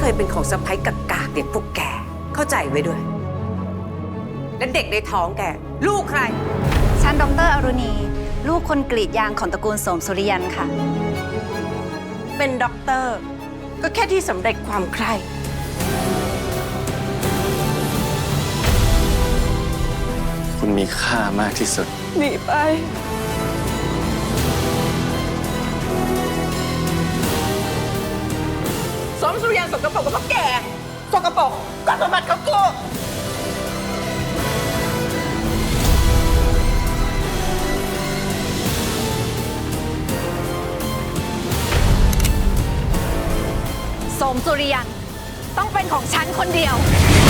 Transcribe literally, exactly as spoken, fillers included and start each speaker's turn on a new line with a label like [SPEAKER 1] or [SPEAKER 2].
[SPEAKER 1] ยเป็นของสะใภ้กากๆเด็กพวกแกเข้าใจไว้ด้วย และเด็กในท้องแกลูกใคร
[SPEAKER 2] ฉันดรอรุณีลูกคนกรีดยางของตระกูลโสมสุริยันค่ะ
[SPEAKER 1] เป็นด็อกเตอร์ก็แค่ที่สำเร็จความใคร่
[SPEAKER 3] คุณมีค่ามากที่สุด
[SPEAKER 1] หนีไปสมสุริยันสกปรกกับพวกแกสกปรกก็สมบัติของกู
[SPEAKER 2] โสมสุริยันต้องเป็นของฉันคนเดียว